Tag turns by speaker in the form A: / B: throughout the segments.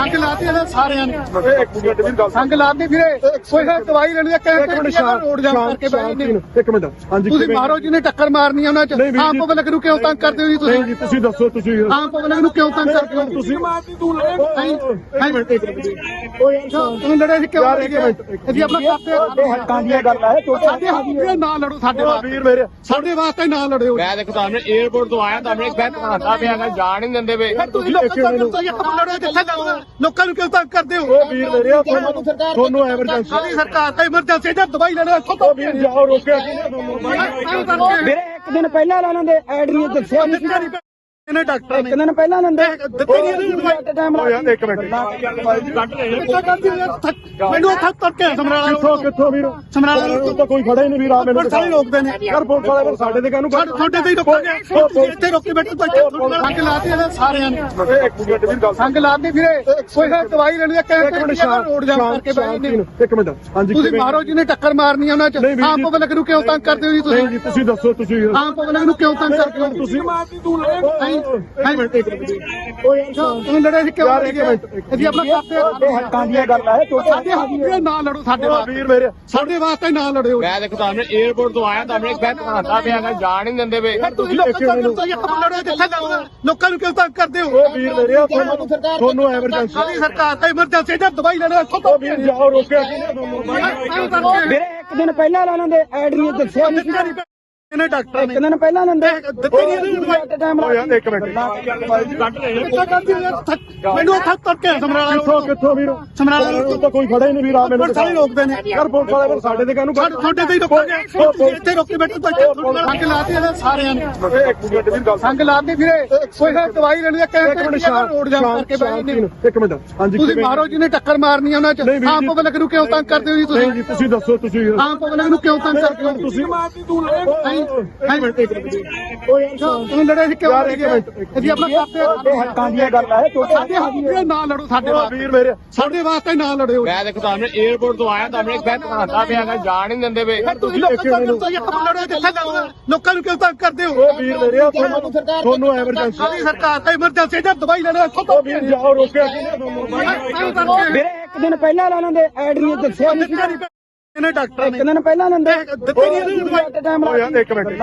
A: ਸੰਗ ਲਾਤੀ ਇਹਨਾਂ ਸਾਰਿਆਂ ਨੇ
B: ਇੱਕ ਮਿੰਟ ਵੀਰ ਗੱਲ
A: ਸੰਗ ਲਾਤੀ ਵੀਰੇ ਕੋਈ ਦਵਾਈ ਲੈਣੀ ਹੈ ਕਹਿੰਦੇ ਰੋਡ ਜਾਮ ਕਰਕੇ ਬੈਠੇ ਨੇ
B: ਇੱਕ ਮਿੰਟ ਹਾਂਜੀ
A: ਤੁਸੀਂ ਮਾਰੋ ਜਿਹਨੇ ਟੱਕਰ ਮਾਰਨੀ ਉਹਨਾਂ ਚ ਆਮ ਪਬਲਿਕ ਨੂੰ ਕਿਉਂ ਤੰਗ ਕਰਦੇ ਹੋ ਜੀ ਤੁਸੀਂ
B: ਜੀ ਤੁਸੀਂ ਦੱਸੋ ਤੁਸੀਂ
A: ਆਮ ਪਬਲਿਕ ਨੂੰ ਕਿਉਂ ਤੰਗ ਕਰਦੇ ਹੋ
B: ਤੁਸੀਂ ਮਾਰਦੀ ਤੂੰ ਲੈ
A: ਤੂੰ ਲੜੇ ਸੀ ਕਿਉਂ ਜੀ ਆਪਣਾ ਕਰਦੇ
B: ਹੱਕਾਂ ਦੀਆਂ ਗੱਲ ਹੈ
A: ਸਾਡੇ ਹੱਕ ਨਾ ਲੜੋ ਸਾਡੇ ਵਾਸਤੇ
B: ਵੀਰ ਮੇਰੇ
A: ਸਾਡੇ ਵਾਸਤੇ ਨਾ ਲੜਿਓ
C: ਮੈਂ ਦੇਖੋ ਤੁਹਾਨੂੰ 에어ਪੋਰਟ ਤੋਂ ਆਇਆ ਤੁਹਾਨੂੰ ਇੱਕ ਬੈਠ ਖਾਂਦਾ ਪਿਆ ਹੈਗਾ ਜਾਣ ਹੀ ਨਹੀਂ ਦਿੰਦੇ ਵੇ
A: ਤੁਸੀਂ ਲੋਕਾਂ ਨੂੰ ਲੜੋ ਜਿੱਥੇ ਜਾਓ ਲੋਕਾਂ ਨੂੰ ਕਿਉਂ ਤੰਗ ਕਰਦੇ ਹੋ
B: ਉਹ ਵੀਰ ਮੇਰੇ ਤੁਹਾਨੂੰ ਐਮਰਜੈਂਸੀ
A: ਸਾਡੀ ਸਰਕਾਰ ਤਾਂ ਐਮਰਜੈਂਸੀ ਦਾ ਦਵਾਈ ਲੈਣਾ ਇੱਥੋਂ ਤੋਂ
B: ਵੀਰ ਜਾਓ ਰੋਕਿਆ ਕਿਹਨੇ ਤੁਹਾਨੂੰ
D: ਵੀਰੇ ਇੱਕ ਦਿਨ ਪਹਿਲਾਂ ਇਹਨਾਂ ਦੇ ਐਡ ਨਹੀਂ ਦੱਸਿਆ ਨਹੀਂ ਸੀ
A: ਇਹਨੇ ਡਾਕਟਰ
D: ਇੱਕ ਦਿਨ ਪਹਿਲਾਂ ਇਹਨਾਂ ਦੇ
A: ਦਿੱਤੀ ਨਹੀਂ ਦਵਾਈ
D: ਟਾਈਮ
B: ਯਾਰ ਇੱਕ ਮਿੰਟ
A: ਮੈਨੂੰ ਥੱਕ ਤੱਕ ਕੇ ਸਮਰਾਲਾ
B: ਕਿੱਥੋਂ ਵੀਰ
A: ਸਮਰਾਲਾ
B: ਤੂੰ ਤਾਂ ਕੋਈ ਫੜਾ ਹੀ ਨਹੀਂ ਵੀਰ ਆ ਮੈਨੂੰ
A: ਸਾਰੇ ਰੋਕਦੇ ਨੇ
B: ਯਾਰ ਪੁਲਿਸ ਵਾਲੇ ਫਿਰ ਸਾਡੇ ਤੇ ਕਾਹਨੂੰ
A: ਤੁਹਾਡੇ ਤੇ ਹੀ ਰੋਕੋਗੇ ਇੱਥੇ ਰੋਕੇ ਬੈਠੇ ਤਾਂ ਸੰਗ ਲਾਤੀ ਇਹਨਾਂ ਸਾਰਿਆਂ ਨੇ
B: ਇੱਕ ਮਿੰਟ ਵੀਰ ਗੱਲ
A: ਸੰਗ ਲਾਤੀ ਵੀਰੇ ਕੋਈ ਦਵਾਈ ਲੈਣੀ ਹੈ ਕਹਿੰਦੇ ਰੋਡ ਜਾਮ ਕਰਕੇ ਬੈਠੇ ਨੇ
B: ਇੱਕ ਮਿੰਟ ਹਾਂਜੀ
A: ਤੁਸੀਂ ਮਾਰੋ ਜਿਹਨੇ ਟੱਕਰ ਮਾਰਨੀ ਉਹਨਾਂ ਚ ਆਮ ਪਬਲਿਕ ਨੂੰ ਕਿਉਂ ਤੰਗ ਕਰਦੇ ਹੋ ਜੀ ਤੁਸੀਂ
B: ਜੀ ਤੁਸੀਂ ਦੱਸੋ ਤੁਸੀਂ
A: ਆਮ ਪਬਲਿਕ ਨੂੰ ਕਿਉਂ ਤੰਗ ਕਰਦੇ ਹੋ
B: ਤੁਸੀਂ ਮਾਰਦੀ ਤੂੰ ਲੈ
A: ਤੂੰ ਲੜੇ ਸੀ ਕਿਉਂ ਜੀ ਆਪਣਾ ਕਰਦੇ
D: ਹੱਕਾਂ ਦੀਆਂ ਗੱਲ ਹੈ
A: ਸਾਡੇ ਹੱਕ ਨਾ ਲੜੋ ਸਾਡੇ ਵਾਸਤੇ
B: ਵੀਰ ਮੇਰੇ
A: ਸਾਡੇ ਵਾਸਤੇ ਨਾ ਲੜਿਓ
C: ਮੈਂ ਦੇਖੋ ਤੁਹਾਨੂੰ 에어ਪੋਰਟ ਤੋਂ ਆਇਆ ਤੁਹਾਨੂੰ ਇੱਕ ਬੈਠ ਖਾਂਦਾ ਪਿਆ ਹੈਗਾ ਜਾਣ ਹੀ ਨਹੀਂ ਦਿੰਦੇ ਵੇ
A: ਤੁਸੀਂ ਲੋਕਾਂ ਨੂੰ ਲੜੋ ਜਿੱਥੇ ਜਾਓ ਲੋਕਾਂ ਨੂੰ ਕਿਉਂ ਤੰਗ ਕਰਦੇ ਹੋ
B: ਉਹ ਵੀਰ ਮੇਰੇ ਤੁਹਾਨੂੰ ਐਮਰਜੈਂਸੀ
A: ਸਾਡੀ ਸਰਕਾਰ ਤਾਂ ਐਮਰਜੈਂਸੀ ਦਾ ਦਵਾਈ ਲੈਣਾ ਇੱਥੋਂ ਤੋਂ
B: ਵੀਰ ਜਾਓ ਰੋਕਿਆ ਕਿਹਨੇ ਤੁਹਾਨੂੰ
D: ਵੀਰੇ ਇੱਕ ਦਿਨ ਪਹਿਲਾਂ ਇਹਨਾਂ ਦੇ ਐਡ ਨਹੀਂ ਦੱਸਿਆ ਨਹੀਂ ਸੀ
A: ਇਹਨੇ ਡਾਕਟਰ
D: ਇੱਕ ਦਿਨ ਪਹਿਲਾਂ ਇਹਨਾਂ ਦੇ
A: ਦਿੱਤੀ ਨਹੀਂ ਦਵਾਈ
D: ਟਾਈਮ
B: ਯਾਰ ਇੱਕ ਮਿੰਟ
A: ਮੈਨੂੰ ਥੱਕ ਤੱਕ ਕੇ ਸਮਰਾਲਾ
B: ਕਿੱਥੋਂ ਵੀਰ
A: ਸਮਰਾਲਾ
B: ਤੂੰ ਤਾਂ ਕੋਈ ਫੜਾ ਹੀ ਨਹੀਂ ਵੀਰ ਆ ਮੈਨੂੰ
A: ਸਾਰੇ ਰੋਕਦੇ ਨੇ
B: ਯਾਰ ਪੁਲਿਸ ਵਾਲੇ ਫਿਰ ਸਾਡੇ ਤੇ ਕਾਹਨੂੰ
A: ਤੁਹਾਡੇ ਤੇ ਹੀ ਰੋਕੋਗੇ ਇੱਥੇ ਰੋਕੇ ਬੈਠੇ ਤਾਂ ਸੰਗ ਲਾਤੀ ਇਹਨਾਂ ਸਾਰਿਆਂ ਨੇ
B: ਇੱਕ ਮਿੰਟ ਵੀਰ ਗੱਲ
A: ਸੰਗ ਲਾਤੀ ਵੀਰੇ ਕੋਈ ਦਵਾਈ ਲੈਣੀ ਹੈ ਕਹਿੰਦੇ ਰੋਡ ਜਾਮ ਕਰਕੇ ਬੈਠੇ ਨੇ
B: ਇੱਕ ਮਿੰਟ ਹਾਂਜੀ
A: ਤੁਸੀਂ ਮਾਰੋ ਜਿਹਨੇ ਟੱਕਰ ਮਾਰਨੀ ਉਹਨਾਂ ਚ ਆਮ ਪਬਲਿਕ ਨੂੰ ਕਿਉਂ ਤੰਗ ਕਰਦੇ ਹੋ ਜੀ ਤੁਸੀਂ
B: ਜੀ ਤੁਸੀਂ ਦੱਸੋ ਤੁਸੀਂ
A: ਆਮ ਪਬਲਿਕ ਨੂੰ ਕਿਉਂ ਤੰਗ ਕਰਦੇ ਹੋ
B: ਤੁਸੀਂ ਮਾਰਦੀ ਤੂੰ ਲੈ
A: ਤੂੰ ਲੜੇ ਸੀ ਕਿਉਂ ਜੀ ਆਪਣਾ ਕਰਦੇ
D: ਹੱਕਾਂ ਦੀਆਂ ਗੱਲ ਹੈ
A: ਸਾਡੇ ਹੱਕ ਨਾ ਲੜੋ ਸਾਡੇ ਵਾਸਤੇ
B: ਵੀਰ ਮੇਰੇ
A: ਸਾਡੇ ਵਾਸਤੇ ਨਾ ਲੜਿਓ
C: ਮੈਂ ਦੇਖੋ ਤੁਹਾਨੂੰ 에어ਪੋਰਟ ਤੋਂ ਆਇਆ ਤੁਹਾਨੂੰ ਇੱਕ ਬੈਠ ਖਾਂਦਾ ਪਿਆ ਹੈਗਾ ਜਾਣ ਹੀ ਨਹੀਂ ਦਿੰਦੇ ਵੇ
A: ਤੁਸੀਂ ਲੋਕਾਂ ਨੂੰ ਲੜੋ ਜਿੱਥੇ ਜਾਓ ਲੋਕਾਂ ਨੂੰ ਕਿਉਂ ਤੰਗ ਕਰਦੇ ਹੋ
B: ਉਹ ਵੀਰ ਮੇਰੇ ਤੁਹਾਨੂੰ ਐਮਰਜੈਂਸੀ
A: ਸਾਡੀ ਸਰਕਾਰ ਤਾਂ ਐਮਰਜੈਂਸੀ ਦਾ ਦਵਾਈ ਲੈਣਾ ਇੱਥੋਂ ਤੋਂ
B: ਵੀਰ ਜਾਓ ਰੋਕਿਆ ਕਿਹਨੇ ਤੁਹਾਨੂੰ
D: ਵੀਰੇ ਇੱਕ ਦਿਨ ਪਹਿਲਾਂ ਇਹਨਾਂ ਦੇ ਐਡ ਨਹੀਂ ਦੱਸਿਆ ਨਹੀਂ ਸੀ
A: ਇਹਨੇ ਡਾਕਟਰ
D: ਇੱਕ ਦਿਨ ਪਹਿਲਾਂ ਇਹਨਾਂ ਦੇ
A: ਦਿੱਤੀ ਨਹੀਂ ਦਵਾਈ
D: ਟਾਈਮ
B: ਯਾਰ ਇੱਕ ਮਿੰਟ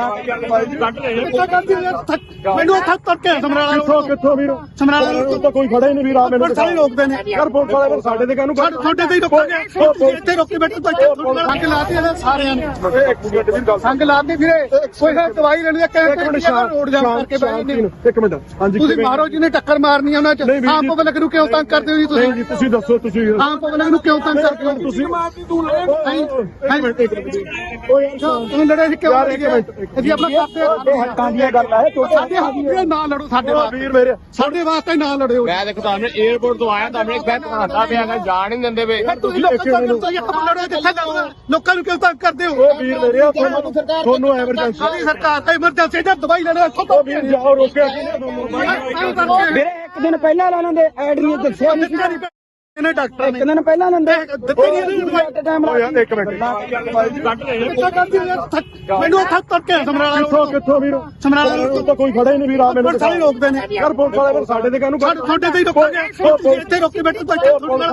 A: ਮੈਨੂੰ ਥੱਕ ਤੱਕ ਕੇ ਸਮਰਾਲਾ
B: ਕਿੱਥੋਂ ਵੀਰ
A: ਸਮਰਾਲਾ
B: ਤੂੰ ਤਾਂ ਕੋਈ ਫੜਾ ਹੀ ਨਹੀਂ ਵੀਰ ਆ ਮੈਨੂੰ
A: ਸਾਰੇ ਰੋਕਦੇ ਨੇ
B: ਯਾਰ ਪੁਲਿਸ ਵਾਲੇ ਫਿਰ ਸਾਡੇ ਤੇ ਕਾਹਨੂੰ
A: ਤੁਹਾਡੇ ਤੇ ਹੀ ਰੋਕੋਗੇ ਇੱਥੇ ਰੋਕੇ ਬੈਠੇ ਤਾਂ ਸੰਗ ਲਾਤੀ ਇਹਨਾਂ ਸਾਰਿਆਂ ਨੇ
B: ਇੱਕ ਮਿੰਟ ਵੀਰ ਗੱਲ
A: ਸੰਗ ਲਾਤੀ ਵੀਰੇ ਕੋਈ ਦਵਾਈ ਲੈਣੀ ਹੈ ਕਹਿੰਦੇ ਰੋਡ ਜਾਮ ਕਰਕੇ ਬੈਠੇ ਨੇ
B: ਇੱਕ ਮਿੰਟ ਹਾਂਜੀ
A: ਤੁਸੀਂ ਮਾਰੋ ਜਿਹਨੇ ਟੱਕਰ ਮਾਰਨੀ ਉਹਨਾਂ ਚ ਆਮ ਪਬਲਿਕ ਨੂੰ ਕਿਉਂ ਤੰਗ ਕਰਦੇ ਹੋ ਜੀ ਤੁਸੀਂ
B: ਜੀ ਤੁਸੀਂ ਦੱਸੋ ਤੁਸੀਂ
A: ਆਮ ਪਬਲਿਕ ਨੂੰ ਕਿਉਂ ਤੰਗ ਕਰਦੇ ਹੋ
B: ਤੁਸੀਂ ਮਾਰਦੀ ਤੂੰ ਲੈ
A: ਤੂੰ ਲੜੇ ਸੀ ਕਿਉਂ ਜੀ ਆਪਣਾ ਕਰਦੇ
D: ਹੱਕਾਂ ਦੀਆਂ ਗੱਲ ਹੈ
A: ਸਾਡੇ ਹੱਕ ਨਾ ਲੜੋ ਸਾਡੇ ਵਾਸਤੇ
B: ਵੀਰ ਮੇਰੇ
A: ਸਾਡੇ ਵਾਸਤੇ ਨਾ ਲੜਿਓ
C: ਮੈਂ ਦੇਖੋ ਤੁਹਾਨੂੰ 에어ਪੋਰਟ ਤੋਂ ਆਇਆ ਤੁਹਾਨੂੰ ਇੱਕ ਬੈਠ ਖਾਂਦਾ ਪਿਆ ਹੈਗਾ ਜਾਣ ਹੀ ਨਹੀਂ ਦਿੰਦੇ ਵੇ
A: ਤੁਸੀਂ ਲੋਕਾਂ ਨੂੰ ਲੜੋ ਜਿੱਥੇ ਜਾਓ ਲੋਕਾਂ ਨੂੰ ਕਿਉਂ ਤੰਗ ਕਰਦੇ ਹੋ
B: ਉਹ ਵੀਰ ਮੇਰੇ ਤੁਹਾਨੂੰ ਐਮਰਜੈਂਸੀ
A: ਸਾਡੀ ਸਰਕਾਰ ਤਾਂ ਐਮਰਜੈਂਸੀ ਦਾ ਦਵਾਈ ਲੈਣਾ ਇੱਥੋਂ ਤੋਂ
B: ਵੀਰ ਜਾਓ ਰੋਕਿਆ ਕਿਹਨੇ ਤੁਹਾਨੂੰ
D: ਵੀਰੇ ਇੱਕ ਦਿਨ ਪਹਿਲਾਂ ਇਹਨਾਂ ਦੇ ਐਡ ਨਹੀਂ ਦੱਸਿਆ ਨਹੀਂ ਸੀ
A: ਇਹਨੇ ਡਾਕਟਰ
D: ਇੱਕ ਦਿਨ ਪਹਿਲਾਂ ਇਹਨਾਂ ਦੇ
A: ਦਿੱਤੀ ਨਹੀਂ ਦਵਾਈ
D: ਟਾਈਮ
B: ਯਾਰ ਇੱਕ ਮਿੰਟ
A: ਮੈਨੂੰ ਥੱਕ ਤੱਕ ਕੇ ਸਮਰਾਲਾ
B: ਕਿੱਥੋਂ ਵੀਰ
A: ਸਮਰਾਲਾ
B: ਤੂੰ ਤਾਂ ਕੋਈ ਫੜਾ ਹੀ ਨਹੀਂ ਵੀਰ ਆ ਮੈਨੂੰ
A: ਸਾਰੇ ਰੋਕਦੇ ਨੇ
B: ਯਾਰ ਪੁਲਿਸ ਵਾਲੇ ਫਿਰ ਸਾਡੇ ਤੇ ਕਾਹਨੂੰ
A: ਤੁਹਾਡੇ ਤੇ ਹੀ ਰੋਕੋਗੇ ਇੱਥੇ ਰੋਕੇ ਬੈਠੇ ਤਾਂ